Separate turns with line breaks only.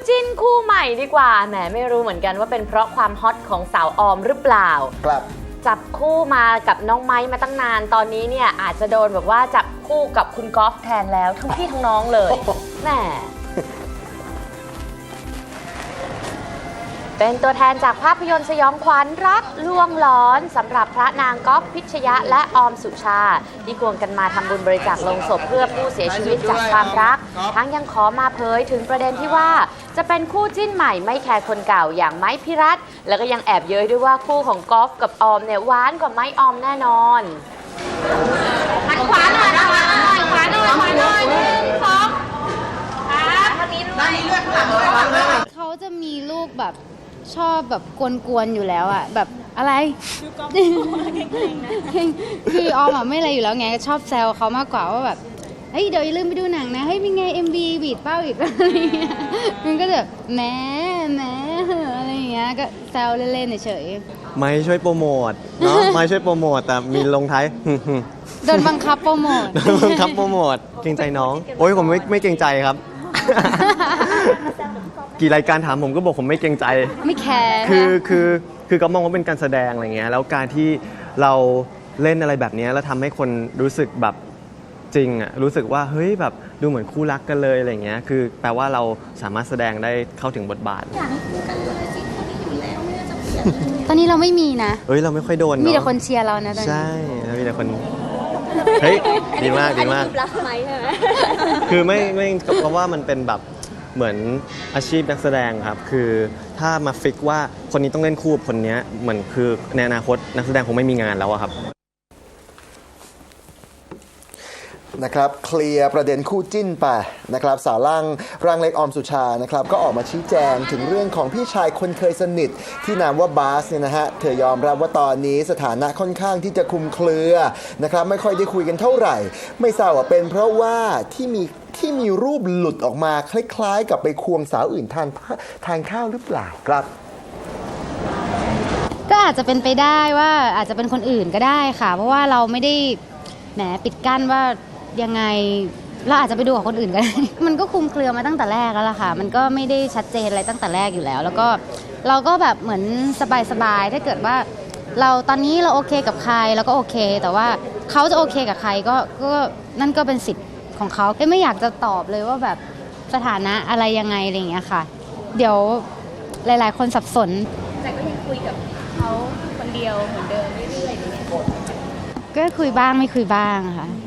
จิ้นคู่ใหม่ดีกว่าแหมไม่รู้เหมือนกันว่าเป็นเพราะความฮอตของสาวออมหรือเปล่า
ครับ
จับคู่มากับน้องไม้มาตั้งนานตอนนี้เนี่ยอาจจะโดนแบบว่าจับคู่กับคุณกอล์ฟแทนแล้วทั้งพี่ทั้งน้องเลยแหมเป็นตัวแทนจากภาพยนตร์สยองขวัญรักลวงหลอนสำหรับพระนางก๊อฟพิชยะและออมสุชาที่ควงกันมาทำบุญบริจาคโลงศพเพื่อผู้เสียชีวิตจากความรักทั้งยังขอมาเผยถึงประเด็นที่ว่าจะเป็นคู่จิ้นใหม่ไม่แคร์คนเก่าอย่างไม้พิรัตน์แล้วก็ยังแอบเย้ยด้วยว่าคู่ของก๊อฟกับออมเนี่ยหวานกว่าไม้ออมแน่นอนหันขวาหน่อยขวาหน่อยขวาหน่อยขวาหน่อยสองครับทางนี้ด้วยเลือดข้างหลัง
เขาจะมีลูกแบบชอบแบบกวนๆอยู่แล้วอะแบบอะไรคือออมอะไม่อะไรอยู่แล้วไงชอบแซวเขามากกว่าว่าแบบเฮ้ยเดี๋ยวอย่าลืมไปดูหนังนะเฮ้ยเป็นไง MV บีดเป้าอีกอะไรเงี้ยมันก็แบบแหมอะไรอย่างเงี้ยก็แซวเล่นๆเฉย
ๆไม่ช่วยโปรโมทเนาะไม่ช่วยโปรโมทแต่มีลงท้าย
โดนบังคับโปรโมท
บังคับโปรโมทเกรงใจน้องโอ้ยผมไม่เกรงใจครับกี่รายการถามผมก็บอกผมไม่เกรงใจ
ไม่แคร์
คือก็มองว่าเป็นการแสดงอะไรเงี้ยแล้วการที่เราเล่นอะไรแบบนี้แล้วทำให้คนรู้สึกแบบจริงอ่ะรู้สึกว่าเฮ้ยแบบดูเหมือนคู่รักกันเลยอะไรเงี้ยคือแปลว่าเราสามารถแสดงได้เข้าถึงบทบาท
อยากให้คู่กันเลยสิคนนี้อยู่แล้วไม่น่าจะเปลี่ยนตอนนี้เราไม่มีนะ
เฮ้ยเราไม่ค่อยโดน
มีแต่คนเชียร์เรานะตอนนี้
ใช่มีแต่คนเฮ้ยดีมาก
รักไหมใช่ไหม
คือไม่เพราะว่ามันเป็นแบบเหมือนอาชีพนักแสดงครับคือถ้ามาฟิกว่าคนนี้ต้องเล่นคู่กับคนนี้เหมือนคือในอนาคตนักแสดงคงไม่มีงานแล้วครับ
นะครับเคลียร์ประเด็นคู่จิ้นไปนะครับสาวร่างเล็กออมสุชานะครับก็ออกมาชี้แจงถึงเรื่องของพี่ชายคนเคยสนิทที่นามว่าบาสเนี่ยนะฮะเธอยอมรับว่าตอนนี้สถานะค่อนข้างที่จะคลุมเครือนะครับไม่ค่อยได้คุยกันเท่าไหร่ไม่ทราบว่าเป็นเพราะว่าที่มีรูปหลุดออกมาคล้ายๆกับไปควงสาวอื่นทานข้าวหรือเปล่าครับ
ก็อาจจะเป็นไปได้ว่าอาจจะเป็นคนอื่นก็ได้ค่ะเพราะว่าเราไม่ได้แหมปิดกั้นว่ายังไงเราอาจจะไปดูกับคนอื่นก็ได้มันก็คุมเครือมาตั้งแต่แรกแล้วล่ะค่ะมันก็ไม่ได้ชัดเจนอะไรตั้งแต่แรกอยู่แล้วแล้วก็เราก็แบบเหมือนสบายๆถ้าเกิดว่าเราตอนนี้เราโอเคกับใครเราก็โอเคแต่ว่าเขาจะโอเคกับใครก็นั่นก็เป็นสิทธิ์ของเขาไม่อยากจะตอบเลยว่าแบบสถานะอะไรยังไงอะไรอย่างเงี้ยค่ะเดี๋ยวหลายๆคนสับสน
แต่ก็ยังคุยกับเขาคนเดียวเหมือนเดิมเรื่อยๆก็
คุยบ้างไม่คุยบ้างค่ะ